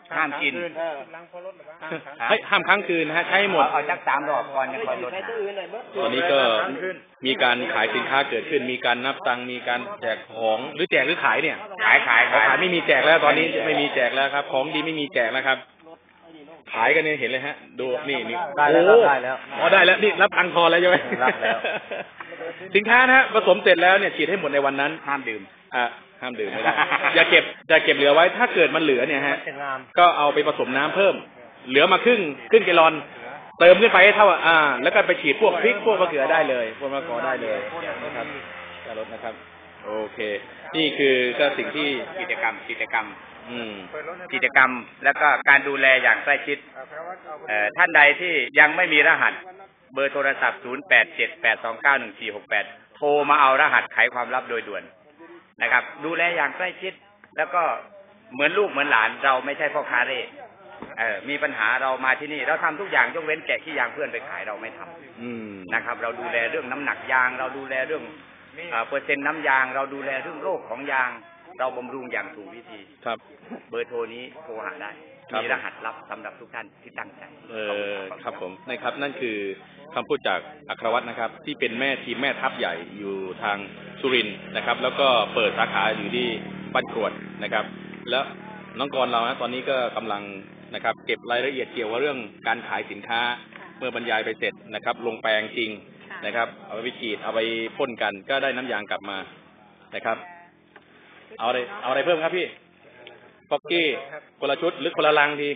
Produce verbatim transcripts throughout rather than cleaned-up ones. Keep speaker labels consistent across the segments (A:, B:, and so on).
A: ห้ามกิน
B: ให้ห้ามค้างคืนนะฮะใช้หมด
A: เอาจักสามรอบก่อนจะค่อยลด
B: ตอนนี้ก็มีการขายสินค้าเกิดขึ้นมีการนับตังค์มีการแจกของหรือแจกหรือขายเนี่ย
A: ขายขาย
B: ขายไม่มีแจกแล้วตอนนี้ไม่มีแจกแล้วครับของดีไม่มีแจกแล้วครับขายกันเนี่ยเห็นเลยฮะดูนี่นี่
C: ได้แล้วได้แล้ว
B: อ๋อได้แล้วนี่รับตังค์พอแล้วใช่ไหม
C: รับแล้ว
B: สินค้านะฮะผสมเสร็จแล้วเนี่ยฉีดให้หมดในวันนั้น
A: ห้ามดื่ม
B: อ่ะห้ามดื่มไม่ได้อย่าเก็บอย่าเก็บเหลือไว้ถ้าเกิดมันเหลือเนี่ยฮะก็เอาไปผสมน้ำเพิ่มเหลือมาครึ่งครึ่งแกลลอนเติมขึ้นไปให้เท่าอ่าแล้วก็ไปฉีดพวกพริกพวกมะเขือได้เลยพวกมะกอกได้เลยนะครับจะลดนะครับโอเคนี่คือก็สิ่งที่
A: กิจกรรมกิจกรรม
B: อืม
A: กิจกรรมแล้วก็การดูแลอย่างใกล้ชิดเอ่อท่านใดที่ยังไม่มีรหัสเบอร์โทรศัพท์ศูนย์ แปด เจ็ด แปด สอง เก้า หนึ่ง สี่ หก แปดโทรมาเอารหัสไขความลับโดยด่วนนะครับดูแลอย่างใกล้ชิดแล้วก็เหมือนลูกเหมือนหลานเราไม่ใช่พ่อค้าเร่เออมีปัญหาเรามาที่นี่เราทำทุกอย่างยกเว้นแกะขี้ยางเพื่อนไปขายเราไม่ทำนะครับเราดูแลเรื่องน้ำหนักยางเราดูแลเรื่องเปอร์เซ็นต์น้ำยางเราดูแลเรื่องโรคของยางเราบำรุงอย่างถูกวิธี
B: ครับ
A: เบอร์โทรนี้โทรหาได้มีรหัสลับสำหรับทุกท่านที่ตั้งใจ
B: เออครับผมนะครับนั่นคือคำพูดจากอัครวัฒน์นะครับที่เป็นแม่ทีมแม่ทัพใหญ่อยู่ทางสุรินทร์นะครับแล้วก็เปิดสาขาอยู่ที่บ้านกรวดนะครับแล้วน้องกรเรานะตอนนี้ก็กำลังนะครับเก็บรายละเอียดเกี่ยวกับเรื่องการขายสินค้าเมื่อบรรยายไปเสร็จนะครับลงแปลงจริงนะครับเอาไปฉีดเอาไปพ่นกันก็ได้น้ำยางกลับมานะครับเอาอะไรเอาอะไรเพิ่มครับพี่ป๊อกกี้คนละชุดหรือคนละลังที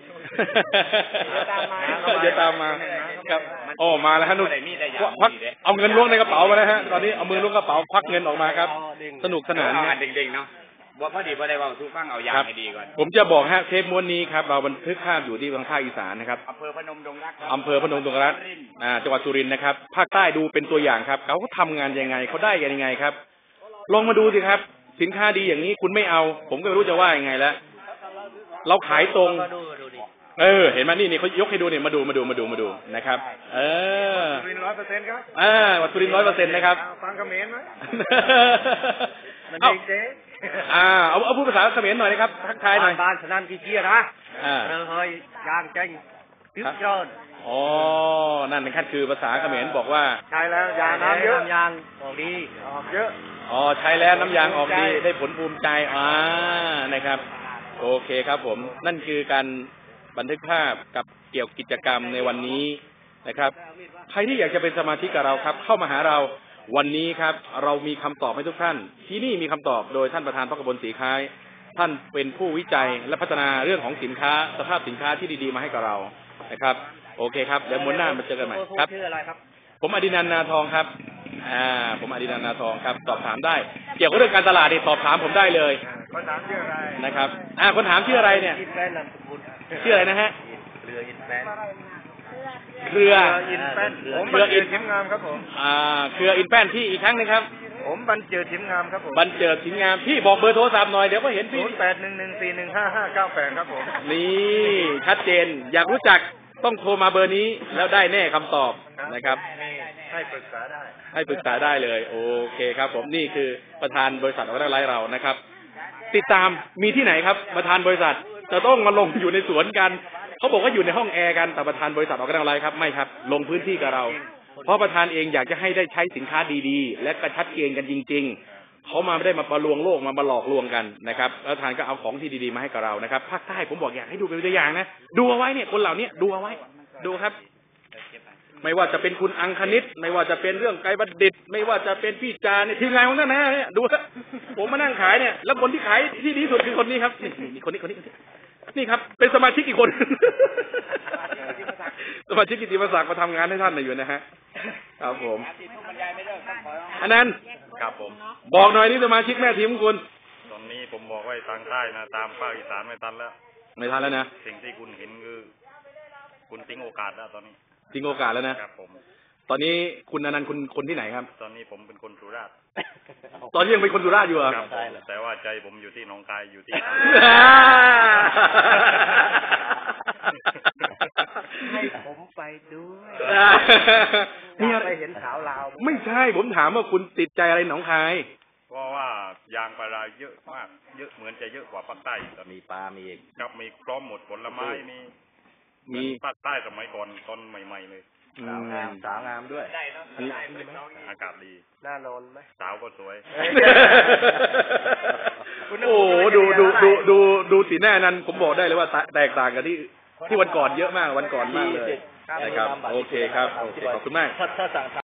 B: เดี๋ยวตามมาครับโอ้มาแล้วฮะนุ่นควักเอาเงินล้วงในกระเป๋ามาแล้วฮะตอนนี้เอามือล้วงกระเป๋าควักเงินออกมาครับสนุกสนาน
A: เด็กๆเนาะบอกพอดีพอได้ว่าทุกฟังเอายางให้ดีก่อน
B: ผมจะบอกฮะเทปม้วนนี้ครับเราบันทึกภาพอยู่ที่ทางภาคอีสานนะครับ
A: อำเภอพนมดงรัก
B: อำเภอพนมดงรักอ่าจังหวัดสุรินทร์นะครับภาคใต้ดูเป็นตัวอย่างครับเขาทำงานยังไงเขาได้กันยังไงครับลองมาดูสิครับสินค้าดีอย่างนี้คุณไม่เอาผมก็ไม่รู้จะว่ายังไงแล้วเราขายตรงเออเห็นไหมนี่นี่เขายกให้ดูเนี่ยมาดูมาดูมาดูมาดูนะครับเออ
C: สุรินทร์ร้อยเปอร์เซ็นต์ครับ
B: อ่าวัดสุรินทร์ร้อยเปอร์เซ็นต์นะครับ
C: ฟังเขมรไหมมัน
B: เจ๊อ่าเอาเอาพูดภาษาเขมรหน่อยนะครับทักทายหน่อย
C: บ้านสนั่นกี่เจี๊ยนะอ่าเออเฮ้ยยางเจ๊งตึ๊บจน
B: อ๋อนั่นนะครับคือภาษาเขมรบอกว่า
C: ใช่แล้วยางน้ำเยอะยางออกดีออกเยอะ
B: อ๋อใช้แล้วน้ำยางออกดีได้ผลภูมิใจอ่านะครับโอเคครับผมนั่นคือการบันทึกภาพกับเกี่ยวกับกิจกรรมในวันนี้นะครับใครที่อยากจะเป็นสมาชิกกับเราครับเข้ามาหาเราวันนี้ครับเรามีคำตอบให้ทุกท่านที่นี่มีคำตอบโดยท่านประธานพรรคบลศรีคล้ายท่านเป็นผู้วิจัยและพัฒนาเรื่องของสินค้าสภาพสินค้าที่ดีๆมาให้กับเรานะครับโอเคครับเดี๋ยวม้วนหน้ามาเจอกันใหม่ครับ
C: ชื่ออะไรครับ
B: ผมอดินันท์นาทองครับอ่าผมอดินันท์นาทองครับสอบถามได้เกี่ยวกับเรื่องการตลาดนี่สอบถามผมได้เลย
C: คนถามชื่ออะไร
B: นะครับอ่าคนถามชื่ออะไรเนี่ยชื่ออะไรนะฮะ
C: เครืออินแฟน
B: เครือ
C: อินแฟนผม
B: เครืออิน
C: ทิมงามครับผม
B: อ่าเครืออินแฟนที่อีกครั้งนึงครับ
C: ผมบรรเจิดทิมงามครับผม
B: บรรเจิดทิมงามพี่บอกเบอร์โทรศัพท์หน่อยเดี๋ยวก็เห็นพี่
C: ศูนย์แปดหนึ่งหนึ่งสี่หนึ่งห้าห้าเก้าแปดครับผม
B: นี่ชัดเจนอยากรู้จักต้องโทรมาเบอร์นี้แล้วได้แน่คำตอบนะครับ
C: ให้ปรึกษาได้
B: ให้ปรึกษาได้เลยโอเคครับผมนี่คือประธานบริษัทออร์แกไนซ์เรานะครับติดตามมีที่ไหนครับประธานบริษัทจะต้องมาลงอยู่ในสวนกันเขาบอกว่าอยู่ในห้องแอร์กันแต่ประธานบริษัทออร์แกไนซ์ครับไม่ครับลงพื้นที่กับเราเพราะประธานเองอยากจะให้ได้ใช้สินค้าดีๆและกระชัดเจนกันจริงๆเขามาไม่ได้มาประลวงโลกมามาหลอกลวงกันนะครับประธานก็เอาของที่ดีๆมาให้กับเรานะครับภาคใต้ผมบอกอยากให้ดูเป็นตัวอย่างนะดูเอาไว้เนี่ยคนเหล่านี้ดูเอาไว้ดูครับไม่ว่าจะเป็นคุณอังคณิตไม่ว่าจะเป็นเรื่องไกรบัณฑิตไม่ว่าจะเป็นพี่จาเนี่ยทีมงานของท่านนะเนี่ยดูครับผมมานั่งขายเนี่ยแล้วคนที่ขายที่ดีสุดคือคนนี้ครับนี่คนนี้คนนี้นี่ครับเป็นสมาชิกอีกคนสมาชิกกิติมศักดิ์มาทำงานให้ท่านอยู่นะฮะครับผมอันนั้น
A: ครับผม
B: บอกหน่อยนี่สมาชิกแม่ทีมของคุณ
D: ตอนนี้ผมบอกไว้ทางใต้นะตามภาคอีสานไม่ทันแล้ว
B: ไม่ทันแล้วนะ
D: สิ่งที่คุณเห็นคือคุณทิ้งโอกาสแล้วตอนนี้
B: ทิ้งโอกาสแล้วนะครับ
D: ผม
B: ตอนนี้คุณอนันต์คุณคนที่ไหนครับ
D: ตอนนี้ผมเป็นคนสุราษฎร์
B: ตอนนี้ยังเป็นคนสุราษฎร์อยู่เหรอ
D: ครับแต่ว่าใจผมอยู่ที่หนองคายอยู่ที่
C: ให้ผมไปด้วย
B: นี่
C: ไปเห็นสาวลาว
B: ไม่ใช่ผมถามว่าคุณติดใจอะไรหนองคาย
D: เพราะว่ายางพาราเยอะมากเยอะเหมือนจะเยอะกว่าภาคใต้แต่
E: มีปลา มีอีก
D: ครับมีพร้อมหมดผลไม้มี
B: มี
D: ภาคใต้สมัยก่อนตอนใหม่ๆเลย
B: อื
E: สาวงาม
B: ม
E: สาวงามด้วย
D: อากาศดี
C: น่านอนไหม
D: สาวก็สวย
B: โอ้โหดูดูดูดูดูสีหน้านั้นผมบอกได้เลยว่าแตกต่างกันที่ที่วันก่อนเยอะมากวันก่อนมากเลยนะครับโอเคครับโอเคขอบคุณมาก
E: ถ้าถ้าสั่ง